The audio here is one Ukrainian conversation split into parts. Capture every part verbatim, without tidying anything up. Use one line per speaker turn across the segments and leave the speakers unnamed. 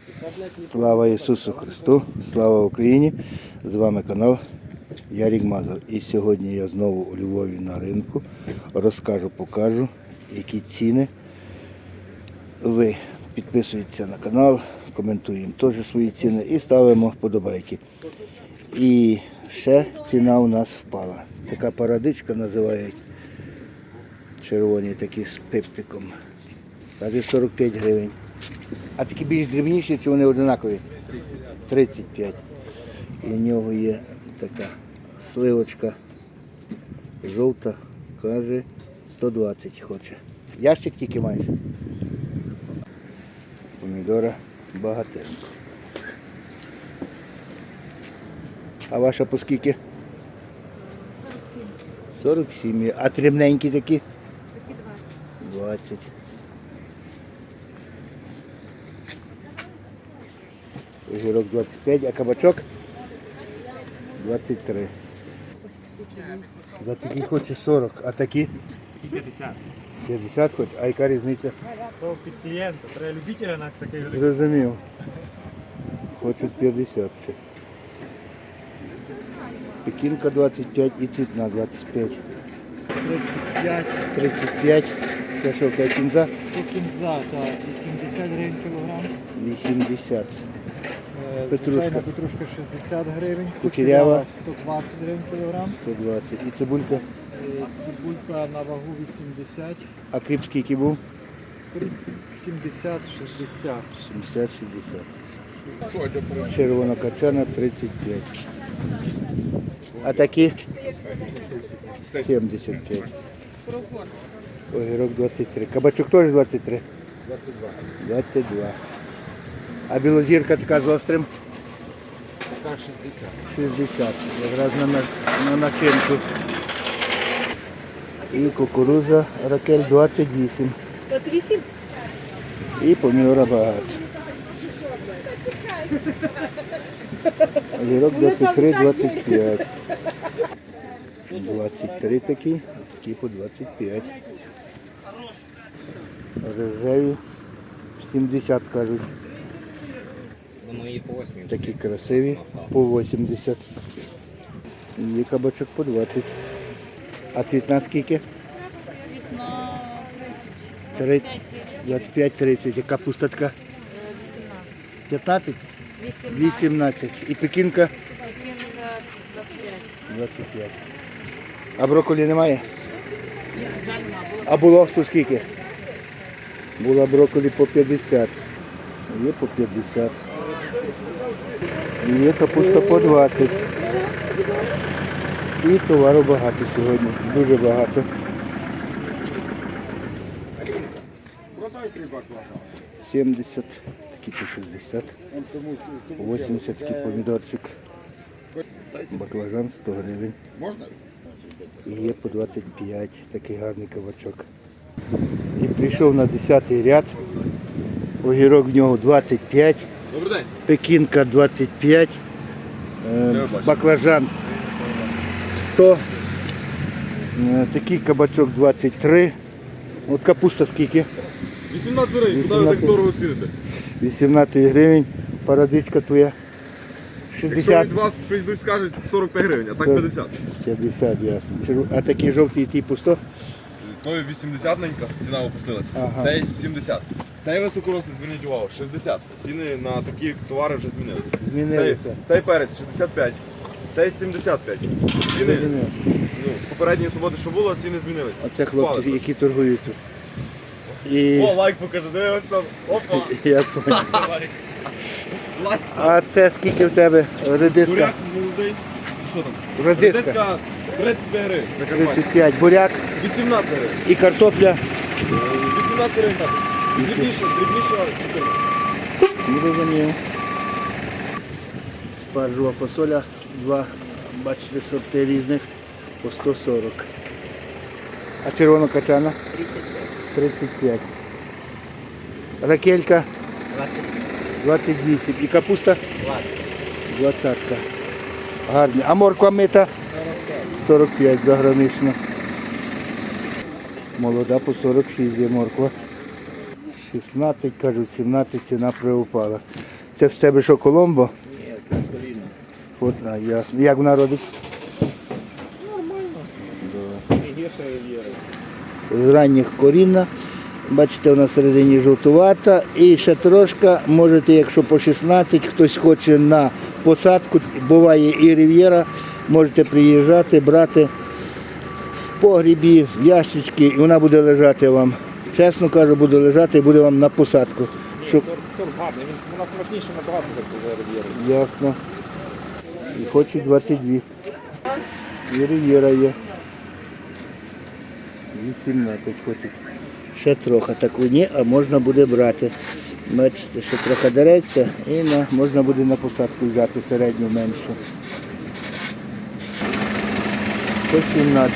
Слава Ісусу Христу, слава Україні! З вами канал Ярік Мазур. І сьогодні я знову у Львові на ринку. Розкажу, покажу, які ціни. Ви підписуєтеся на канал, коментуємо теж свої ціни і ставимо вподобайки. І ще ціна у нас впала. Така парадичка називають, червоні такі з пиптиком. Каже сорок п'ять гривень. А такі більш дрібніші, чи вони однакові? тридцять п'ять. І в нього є така сливочка жовта, каже сто двадцять хоче. Ящик тільки маєш. Помідора багатенько. А ваша по скільки?
сорок сім.
сорок сім. А дрібненькі такі?
Такі двадцять.
двадцять. Огірок двадцять п'ять, а кабачок? двадцять три. За такі хоче сорок, а такі?
п'ятдесят.
п'ятдесят хоче, а яка різниця?
То під клієнта, треба любителя на такий великий.
Зрозумів. Хочуть п'ятдесят ще. Пекінка двадцять п'ять і цвітна двадцять п'ять.
тридцять п'ять.
тридцять п'ять. Це що, яка кінза?
То кінза, так, вісімдесят гривень кілограм.
вісімдесят.
Е,
Петрушка.
Звичайна петрушка шістдесят гривень.
Кучерява.
сто двадцять гривень кілограм.
сто двадцять. І цибулька?
Е, Цибулька на вагу вісімдесят.
А кріп скільки був?
сімдесят шістдесят.
сімдесят шістдесят. Червона качана тридцять п'ять. А такі? сімдесят п'ять. Огірок двадцять три. Кабачок теж двадцять три?
двадцять два.
двадцять два. А білозірка така з острим?
Така шістдесят.
шістдесят. Якраз на, на, на начинку. І кукурудза ракель двадцять вісім.
двадцять вісім?
І помідора багато. Огірок двадцять три двадцять п'ять. двадцять три такі, такі по двадцять п'ять. Рожеві сімдесят кажуть. Такі красиві по вісімдесят. Є кабачок по двадцять. А цвітна скільки?
Цвітна
Три- двадцять п'ять тридцять. А капуста така?
вісімнадцять.
п'ятнадцять?
вісімнадцять.
вісімнадцять. І пекінка?
Пекінка двадцять п'ять.
двадцять п'ять. А брокколі немає?
Ні, жаль, нема. Було
А було по скільки? Була брокколі по п'ятдесят. Є по п'ятдесят. І є капуста по двадцять. І товару багато сьогодні. Дуже багато. сімдесят, такі по шістдесят. По вісімдесят такий помідорчик. Баклажан сто гривень.
Можна?
І є по двадцять п'ять, такий гарний кабачок. І прийшов на десятий ряд. Огірок в нього двадцять п'ять.
Добрий день.
Пекінка двадцять п'ять. Е, баклажан сто. Е, такий кабачок двадцять три. От капуста скільки?
вісімнадцять гривень, куди ви
вісімнадцять.
так дорого ціните?
вісімнадцять гривень. Парадичка твоя.
Якщо
шістдесят.
від вас прийдуть, скажуть сорок п'ять гривень, а так
сорок.
п'ятдесят.
п'ятдесят, ясно. Черв- А такі жовті типу сто?
Той вісімдесят-ненька, ціна опустилася.
Ага.
Цей сімдесят. Цей високорослий, зверніть увагу, шістдесят. Ціни на такі товари вже змінилися.
Змінилися.
Цей, цей перець шістдесят п'ять. Цей сімдесят п'ять. Ціни
Зрозумів.
ну, з попередньої суботи, що було, ціни змінилися.
Оце хлопці,
Впали.
які торгують тут. І
О, лайк покажи, дивись там. Опа.
я понял.
Лайк.
А це скільки в тебе редиска?
Буряк молодий. Що там?
Редиска.
Редиска тридцять п'ять гривень. Закарпаття.
тридцять п'ять. Буряк
вісімнадцять гривень.
і картопля.
вісімнадцять гривень так. Дрібніше, дрібніше чотирнадцять.
Не розумію. Спаржова фасоля. Два, бачите, сорти різних по сто сорок. А червона качана? тридцять п'ять. Ракелька? двадцять вісім. І капуста? двадцять. Гарні. А морква мита? сорок п'ять загранично. Молода по сорок шість є морква. шістнадцять, кажуть, сімнадцять ціна приупала. Це в тебе що, Коломбо? Ні, це Корінна. От, а, ясно. Як вона робить? З ранніх корінна. Бачите, вона всередині жовтувата. І ще трошки, можете, якщо по шістнадцять, хтось хоче на посадку, буває і Рів'єра, можете приїжджати, брати в погрібі, в ящички, і вона буде лежати вам. Чесно кажу, буде лежати і буде вам на посадку. Щоб...
Сорт, сорт гарний, він вона смачніше набагато за Рів'єру.
Ясно. І хочуть двадцять дві. І Рів'єра є. вісімнадцять хочуть. Ще трохи таку ні, а можна буде брати. Бачите, ще трохи дереться і на, можна буде на посадку взяти середню меншу. сто сімнадцять.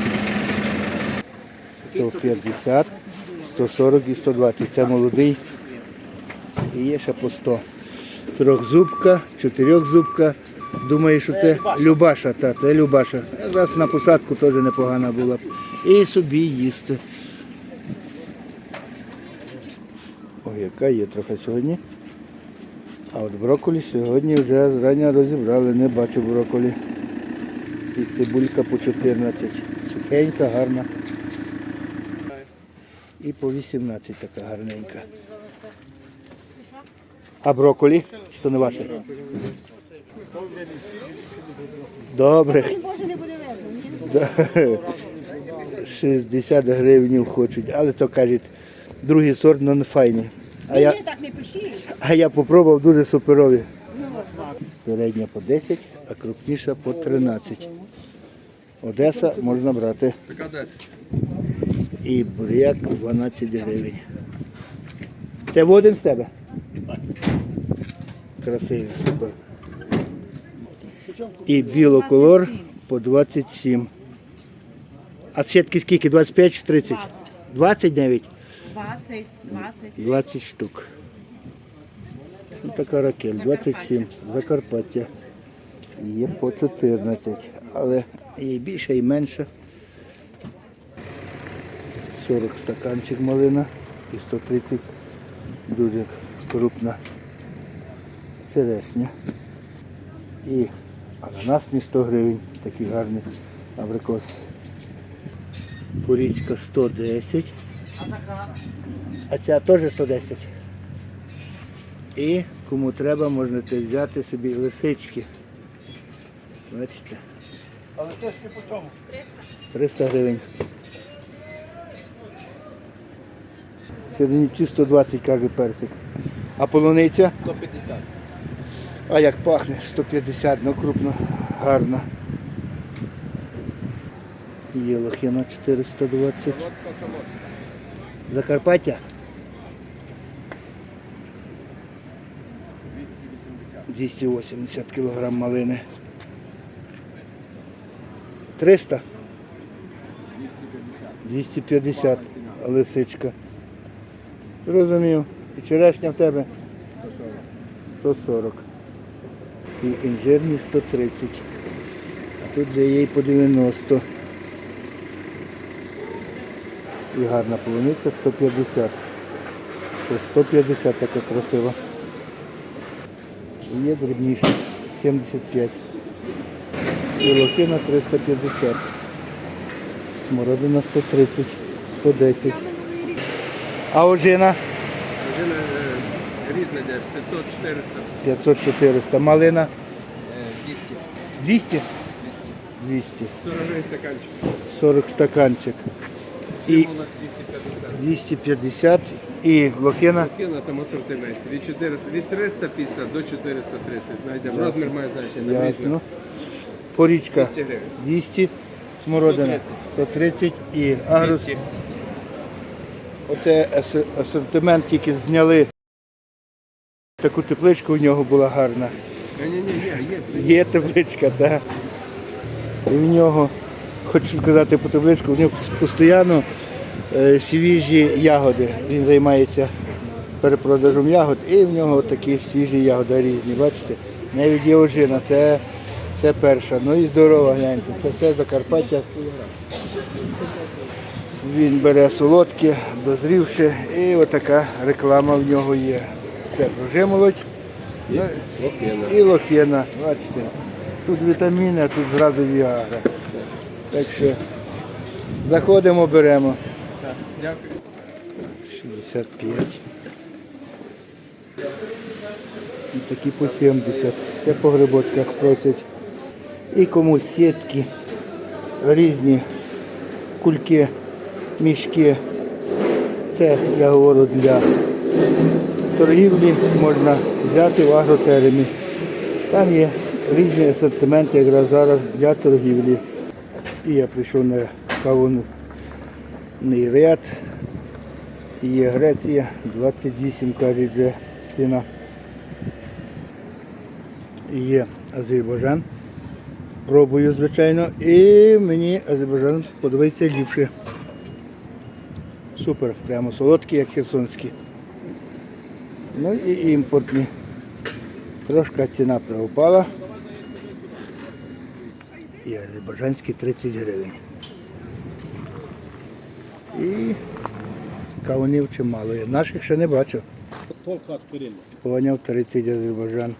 сто п'ятдесят, сто сорок і сто двадцять. Це молодий. І є ще по сто. Трьохзубка, чотирьохзубка. Думаю, що це Любаша, та, це Любаша. Якраз на посадку теж непогана була б. І собі їсти. Ой, яка є трохи сьогодні. А от брокколі сьогодні вже зрання розібрали, не бачу брокколі. І цибулька по чотирнадцять. Сухенька, гарна. І по вісімнадцять така гарненька. А брокколі? Чи то не ваше? Добре. Да. шістдесят гривень хочуть, але то кажуть, другий сорт, але не файний. А я,
так не пишіть.
а я попробував, дуже суперові. Середня по десять, а крупніша по тринадцять. Одеса можна брати. І буряк дванадцять гривень. Це в один з тебе? Так. Красивий, супер. І білоколор по двадцять сім. А сітки скільки? двадцять п'ять чи тридцять? двадцять навіть?
двадцять, двадцять.
двадцять штук. Ось така ракель, двадцять сім. Закарпаття. Є по чотирнадцять, але і більше, і менше. сорок стаканчик малина і сто тридцять дуже крупна черешня. І ананасні сто гривень, такий гарний абрикос. Порічка сто десять. А ця теж сто десять. І кому треба, можете взяти собі лисички. Бачите?
А лисички по чому?
триста гривень. Сьогодні сто двадцять каже персик. А полуниця?
сто п'ятдесят.
А як пахне? сто п'ятдесят, ну крупно, гарно. Є лохина чотириста двадцять. Закарпаття? двісті вісімдесят кілограм малини. триста? двісті п'ятдесят лисичка. Розумів. І черешня в тебе? сто сорок. І інжирні сто тридцять. А тут вже є і по дев'яносто. І гарна полуниця сто п'ятдесят. Ось сто п'ятдесят така красива. І є дрібніша сімдесят п'ять. І лохина триста п'ятдесят. Смородина сто тридцять, сто десять. А ожина?
Ожина різна десь, п'ятсот чотириста.
п'ятсот чотириста. Малина?
двісті.
двісті? двісті.
сорок гривень стаканчик.
сорок стаканчик. І
Символах двісті п'ятдесят.
двісті п'ятдесят. І лохина?
Кіно там асортимент. Від, чотириста, від триста п'ятдесят до чотириста тридцять. Знайдемо. Розмір має значення.
Ясно. Порічка
двісті гривень.
двісті. Смородина сто тридцять. І агрос.
двісті.
Оце ас- асортимент тільки зняли. Таку тепличку у нього була гарна.
Ні-ні-ні, є.
Є тепличка, так. І в нього, хочу сказати по тепличку, в нього постійно е, свіжі ягоди. Він займається перепродажем ягод і в нього такі свіжі ягоди різні. Бачите? Навіть є ожина, це, це перша. Ну і здорова, гляньте, це все Закарпаття. Він бере солодке, дозрівши, і отака реклама в нього є. Це прожимолодь,
І лохина.
І лохина, бачите. Тут вітаміни, а тут зразу віагра. Так що заходимо, беремо.
Так, дякую.
шістдесят п'ять. І такі по сімдесят. Це по грибочках просять. І комусь сітки, різні кульки, мішки. Це, я говорю, для торгівлі можна взяти в агротеремі. Там є різні асортименти якраз зараз для торгівлі. І я прийшов на кавунний ряд. Є Греція, двадцять вісім, кажуть, вже ціна. І є Азербайджан. Пробую, звичайно, і мені Азербайджан подобається ліпше. Супер, прямо солодкі, як херсонські. Ну і імпортні. Трошки ціна приупала. І азербайджанські тридцять гривень. І кавунів чимало є. Наших ще не бачу. Поняв, тридцять Азербайджан.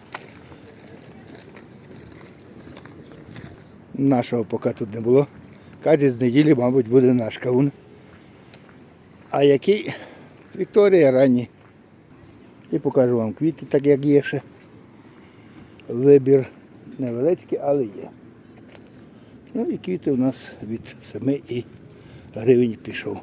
Нашого поки тут не було. Каже, з неділі, мабуть, буде наш кавун. А який? Вікторія ранній. І покажу вам квіти, так як є ще. Вибір невеличкий, але є. Ну і квіти у нас від семи і гривень пішов.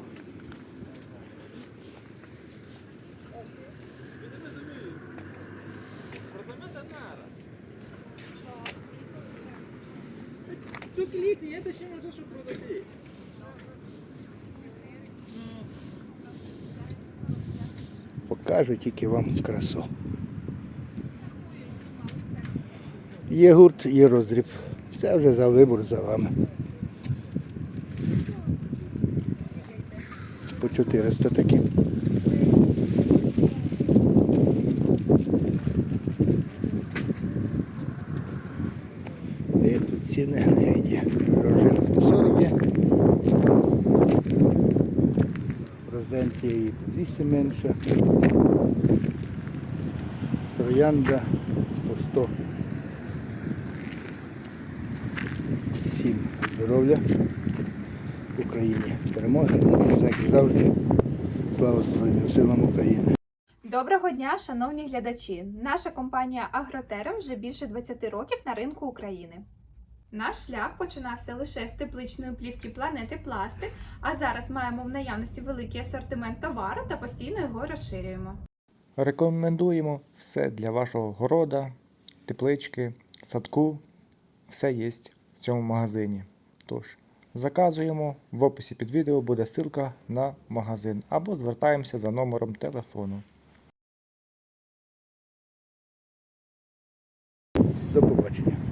Покажу тільки вам красу. Є гурт, є роздріб. Це вже за вибор за вами. По чотириста такі. І тут ціни не є. Пружина по сорок є. Розенція її по двісті менше. Троянда по сто. Всім здоров'я в Україні. Перемоги, як завжди. Слава Збройним силам України.
Доброго дня, шановні глядачі! Наша компанія Агротерем вже більше двадцять років на ринку України. Наш шлях починався лише з тепличної плівки планети Пластик, а зараз маємо в наявності великий асортимент товару та постійно його розширюємо.
Рекомендуємо все для вашого города, теплички, садку. Все є в цьому магазині. Тож, заказуємо, в описі під відео буде ссылка на магазин або звертаємося за номером телефону.
До побачення.